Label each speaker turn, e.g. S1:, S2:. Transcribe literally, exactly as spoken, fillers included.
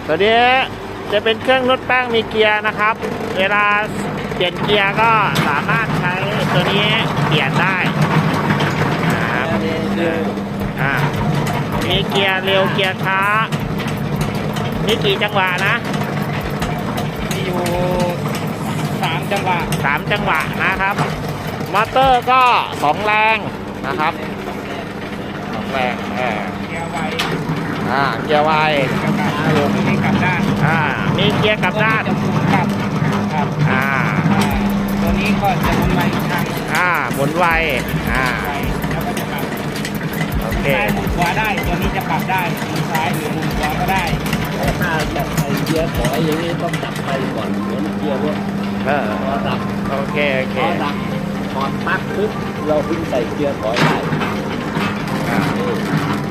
S1: ตัวนี้จะเป็นเครื่องนวดแป้งมีเกียร์นะครับ เวลาเปลี่ยนเกียร์ก็สามารถใช้ตัวนี้เปลี่ยนได้นะครับอ่ามีเกียร์เร็วเกียร์ช้ามีกี่จังหวะนะ
S2: มีอยู่สามจังหวะ
S1: สามจังหวะนะครับมอเตอร์ก็สองแรงนะครับสองแรงเออ
S2: เกียร์ไว
S1: อ่าเกียร์ไว
S2: เกียร์กลับตัวนี้กลับด้าน
S1: อ่ามีเกียร์กลับด้าน
S2: จะหมุนกลับครับ
S1: อ่า
S2: อ่าตัวนี้ก็จะหมุนไปอีกทาง
S1: อ่าหมุนไวอ่า
S2: ไวแล้วก็จะกลับ
S1: โอเค
S2: ซ้ายหมุนขวาได้ตัวนี้จะปรับได้หมุนซ้ายหรือหมุนขวาก็ได้
S3: ถ้าจะไปเกียร์ถอยอย่างนี้ต้องจับไปก่อนเหมือนเกียร์รถ
S1: เออ
S3: พอดับ
S1: โอเคโอเค
S3: พอดับถอดปลั๊กปุ๊บเราเพิ่งใส่เกียร์ถอยได้
S1: อ่า
S3: นี่